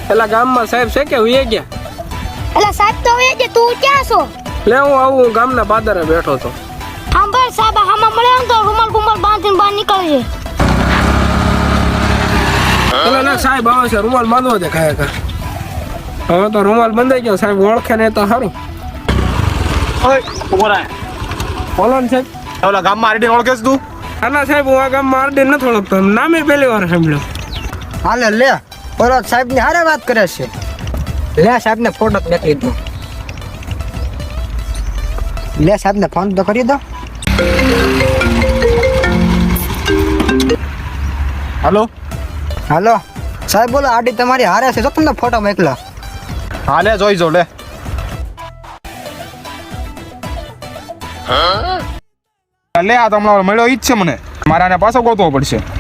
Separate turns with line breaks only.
પેલા ગામમાં સાહેબ છે કે હુંય ગયા?
એટલે સાહેબ તો હવે જે તું ક્યાં છો?
લે હું આવું ગામના પાદરે બેઠો તો.
સાંભળ સાહેબ આમાં મળે ને તો રૂમાલ ગુમાલ બાંધીને બહાર નીકળજે.
પેલા ના સાહેબ આવે છે, રૂમાલ બાંધવો દે ખાયા કર. હવે તો રૂમાલ બંધાઈ ગયો, સાહેબ ઓળખે ને તો સારું.
ઓય ઉભો રહે.
બોલો ને સાહેબ.
ઓલા ગામમાં આરડી ઓળખે છે તું?
આના સાહેબ હું આ ગામમાં આરડી નથી ઓળખતો, નામે પહેલી વાર સાંભળ્યો.
હાલે લે પરોત સાહેબ ની હારે વાત કરે છે. લે સાહેબ ને ફોટો મેકલી દો. લે સાહેબ ને ફોન તો કરી દો.
હાલો
હાલો સાહેબ બોલો આડી તમારી હારે છે, જો તમને ફોટો મોકલા.
હા લે જોઈ જો લે. લે આ તો હમણાં મળ્યો ઈ જ છે મને, મારે આને પાછો ગોતવો પડશે.